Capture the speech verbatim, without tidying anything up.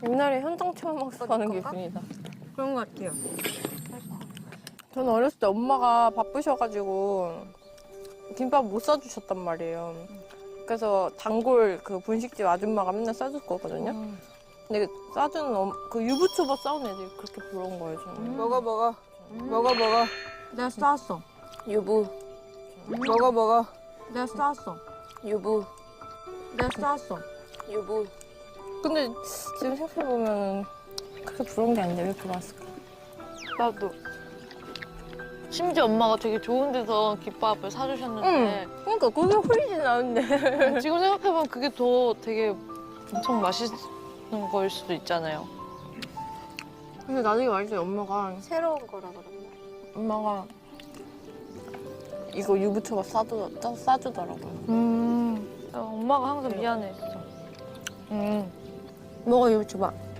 옛날에 현장 체험 학습하는 기분이다. 그런 것 같아요. 저는 어렸을 때 엄마가 바쁘셔가지고 김밥 못 싸주셨단 말이에요. 그래서 단골 그 분식집 아줌마가 맨날 싸줬거든요. 음. 근데 싸주는 엄, 그 유부초밥 싸운 애들이 그렇게 부러운 거예요, 저는. 음. 먹어 먹어 먹어 먹어 내가 싸왔어. 유부, 먹어 먹어 내가 싸왔어. 유부, 내가 싸왔어. 유부. 근데 지금 생각해보면 그렇게 부러운 게 아닌데 왜 이렇게 맛있을까? 나도. 심지어 엄마가 되게 좋은 데서 김밥을 사주셨는데 그러니까 그게 훨씬 나은데. 지금 생각해보면 그게 더 되게 엄청 맛있는 거일 수도 있잖아요. 근데 나중에 말했더니 엄마가 새로운 거라 그런가? 엄마가 이거 유부초밥 싸주, 싸- 싸주더라고요. 음. 엄마가 항상 미안해, 진짜. 음. 먹어, 유부초밥.